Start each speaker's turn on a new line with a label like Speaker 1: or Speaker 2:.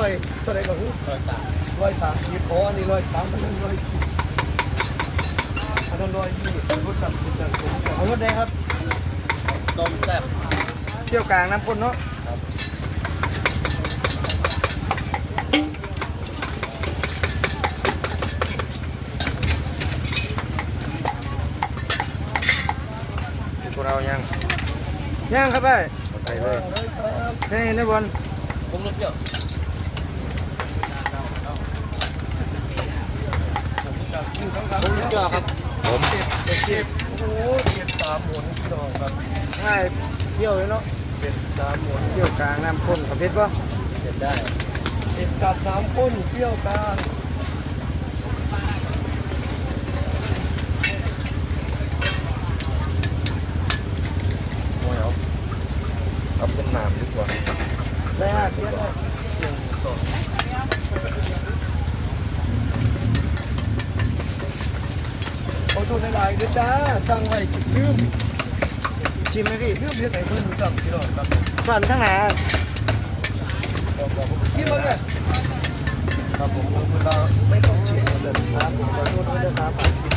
Speaker 1: เท่าไหร่ก็คือ130อ๋ออันนี้103มัน100อันนั้น120รสจัดเอารสแดงครับ
Speaker 2: ต้มแซ่บ
Speaker 1: เที่ยวกลางน้ำข้นเนาะพวกเราย่างครับไปใส่เลยใส่ในบอล
Speaker 2: ปรุงรสเปรี้ยว
Speaker 1: ผม
Speaker 2: เปรี้ยวครับ
Speaker 1: ผมเจ็บโอ้โหเจ็บ3 หมุนพี่น้องครับง่ายเที่ยวเลยเนาะเจ็บ3 หมุนเที่ยวกลางน้ำข้นกับเพชรป่ะ
Speaker 2: เสร็จได้
Speaker 1: เจ็บกับน้ำข้นเที่ยวกลางโอ้ยเอาเป็นน้ำดีกว่าได้ฮะเที่ยวได้1 2ขอโทษหลายๆด้วยจ้าสั่งไว้ลืมชิมไหมพี่ลืมเรียกไหนเพื่อนรู้จักพี่น้องครับสั่นทั้งหลายชิมมาเลยครับผมเราไม่ต้องชิมเลยครับผมขอโทษด้วยนะครับ